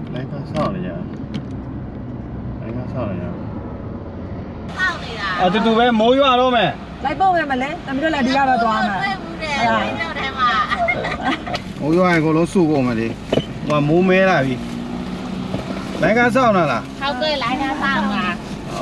来看上了呀，来看上了呀。啊，这都呗，没用了没？ 来报呗嘛嘞，咱们这来地下了多嘛？哎呀， 没用，我都收过嘛的，我没买了呗。来看上了啦。 เขาเคยไล่หน้าสร้างมา哦。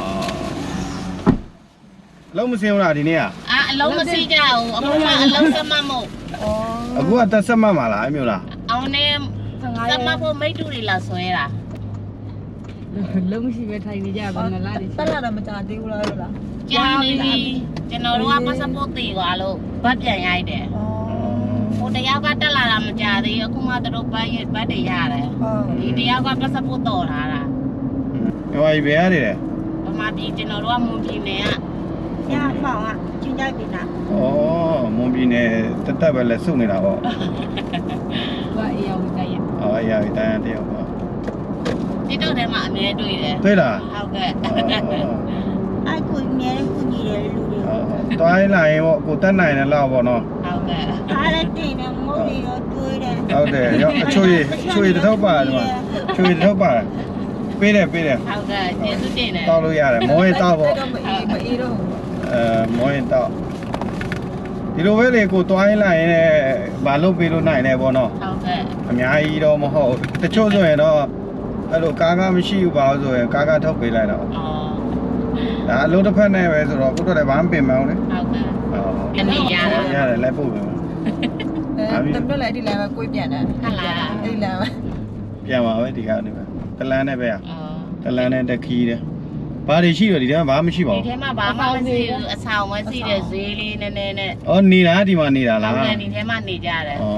လုံးမစင်းဘူးလားဒီနေ့อ่ะအလုံးမစီကြဘူးအခုမှအလုံးစမမို့အခုကတက်ဆက်မှတ်မှာလားအဲ့မျိုးလားအောင်နေစမဖို့မိတ်တူတွေလာဆွဲတာလုံးမရှိပဲထိုင်နေကြပါငလားတက်လာတော့မကြသေးဘူးလားလို့လားကြာနေပြီကျွန်တော်တို့ကပတ်စပို့တည်သွားလို့ဗတ်ပြန်ရိုက်တယ်ဟိုတယောက်ကတက်လာတာမကြသေးဘူးအခုမှသူတို့ဗတ်တွေရတယ်ဒီတယောက်ကပတ်စပို့တော်ထားတာဟိုဘယ်ရတယ်လဲဗမာပြည်ကျွန်တော်တို့ကမွန်ပြည်နယ်ကညမောင်ကချင်းကြိုက်ပြီလားဩမွန်ပြည်နယ်တက်တက်ပဲလက်စုပ်နေတာပေါ့ဘာအေးအောင်ကြိုက်ရအော်အရာကြီးတန်းတယောက်ပေါ့ဒီတော့ထဲမှာအမြဲတွေ့တယ်တွေ့လားဟုတ်ကဲ့အဲ့ကိုအမြဲကူညီတယ်လူတွေတွိုင်းလာရင်ပေါ့ကိုတက်နိုင်တယ်လောက်ပေါ့နော်ဟုတ်ကဲ့အားလည်းတင်တယ်မုတ်တွေတော့တွေးတယ်ဟုတ်တယ်ရောအချိုရတစ်ထုပ်ပါတယ်ဒီမှာချိုရတစ်ထုပ်ပါတယ်ပေးတယ်ဟုတ်ကဲ့ကျေးဇူးတင်တယ်တောက်လို့ရတယ်မောရင်တောက်ပေါ့မအေးတော့မောရင်တောက်ဒီလိုပဲလေကိုတွိုင်းလာရင်လည်းမလုပ်ပေးလို့နိုင်တယ်ပေါ့နော်ဟုတ်ကဲ့အများကြီးတော့မဟုတ်တချို့ဆိုရင်တော့အဲ့လိုကားမရှိဘူးပါဆိုရင်ကားထုတ်ပေးလိုက်တော့အော်ဒါအလုံးတစ်ဖက်နဲ့ပဲဆိုတော့ကိုတို့လည်းဘာမှပြင်မအောင်လေဟုတ်ကဲ့ဟုတ်ဒီနေ့ရတာရတယ်လိုက်ပို့ပြီတမလည်းဒီလမ်းမှာကိုယ်ပြန်တယ်ဟုတ်လားအဲ့ဒီလမ်းမှာပြန်ပါပဲဒီကနေပဲတလန်းနဲ့ပဲအော်တလန်းနဲ့တက်ခီးတယ်ဘာတွေရှိတော့ဒီထဲမှာဘာမှမရှိပါဒီဘူးထဲမှာဘာမှမရှိဘူးအဆောင်ပဲရှိတယ်ဈေးလေးနည်းနည်းနဲ့အော်နေတာဒီမှာနေတာလားဟုတ်ကဲ့ဒီထဲမှာနေကြတယ်ဩ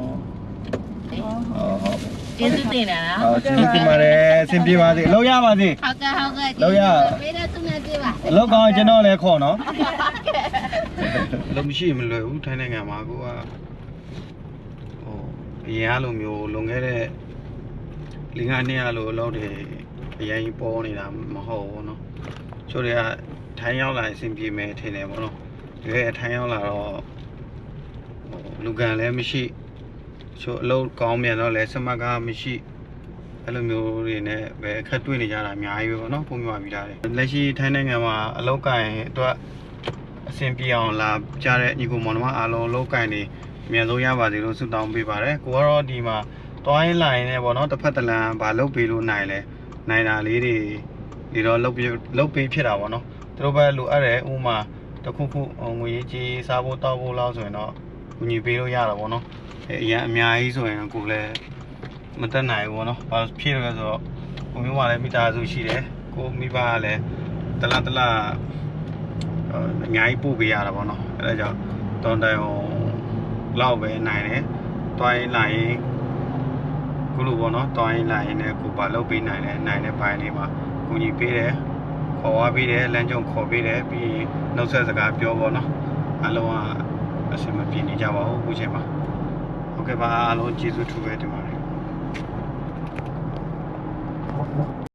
ဟုတ်ကျေးဇူးတင်တယ်နော်ဟုတ်ကျေးဇူးတင်ပါတယ်အဆင်ပြေပါစေလောက်ရပါစေဟုတ်ကဲ့ဟုတ်ကဲ့လောက်ရပေးတဲ့သူနဲ့ပြေးပါအလောက်ကောင်းကျွန်တော်လည်းခေါ်နော်လုံးမရှိမလွယ်ဘူးထိုင်းနိုင်ငံမှာကိုကဟိုအရင်အလိုမျိုးလွန်ခဲ့တဲ့5 နှစ်အလိုအလုပ်တွေအရင်ပေါ်နေတာမဟုတ်ဘူးเนาะချို့တွေကထိုင်းရောက်လာအဆင်ပြေမယ်ထင်တယ်ပေါ့နော်တကယ်ထိုင်းရောက်လာတော့လူကန်လည်းမရှိချို့အလုပ်ကောင်းမြန်တော့လည်းစမတ်ကားမရှိအဲ့လိုမျိုးတွေနဲ့ပဲအခက်တွေ့နေကြတာအများကြီးပဲပေါ့နော်ပုံပြပြီးသားတယ်လက်ရှိထိုင်းနိုင်ငံမှာအလုပ်ကိုင်အတွက်အဆင်ပြေအောင်လာကြတဲ့ညီကိုမောင်နှမအားလုံးအလုပ်ကိုင်နေအများဆုံးရပါစေလို့ဆုတောင်းပေးပါတယ်ကိုကတော့ဒီမှာတွိုင်းလိုင်းနဲ့ပေါ့နော်တစ်ဖက်တစ်လမ်းဘာလုပ်ပေးလို့နိုင်လဲနိုင်တာလေးတွေဒီတော့လုပ်ပေးဖြစ်တာပေါ့နော်သူတို့ပဲလိုအပ်တယ်ဥမာတစ်ခုခုငွေကြီးစားဖို့တောက်ဖို့လောက်ဆိုရင်တော့ကူညီပေးလို့ရတာပေါ့နော်အရင်အများကြီးဆိုရင်ကိုလည်းမတက်နိုင်ဘူးပေါ့နော်ဘာဖြစ်လဲဆိုတော့ကိုမျိုးကလည်းမိသားစုရှိတယ်ကိုမိဘကလည်းတလားအများကြီးပို့ပေးရတာပေါ့နော်အဲဒါကြောင့်တောင်းတအောင်လောက်ပဲနိုင်တယ်တွိုင်းလာရင်ခုလိုပေါ့နော်တွိုင်းလာရင်လည်းကိုပါလုပ်ပေးနိုင်တဲ့ဘိုင်းလေးမှာကူညီပေးတယ်ခေါ်ဝါပေးတယ်လမ်းကြုံခေါ်ပေးတယ်ပြီးရင်နှုတ်ဆက်စကားပြောပေါ့နော်အလုံးကအဆင်မပြေနေကြပါဘူးအခုချိန်မှာဟုတ်ကဲ့ပါအားလုံးကျေးဇူးထူးပဲတင်ပါတယ်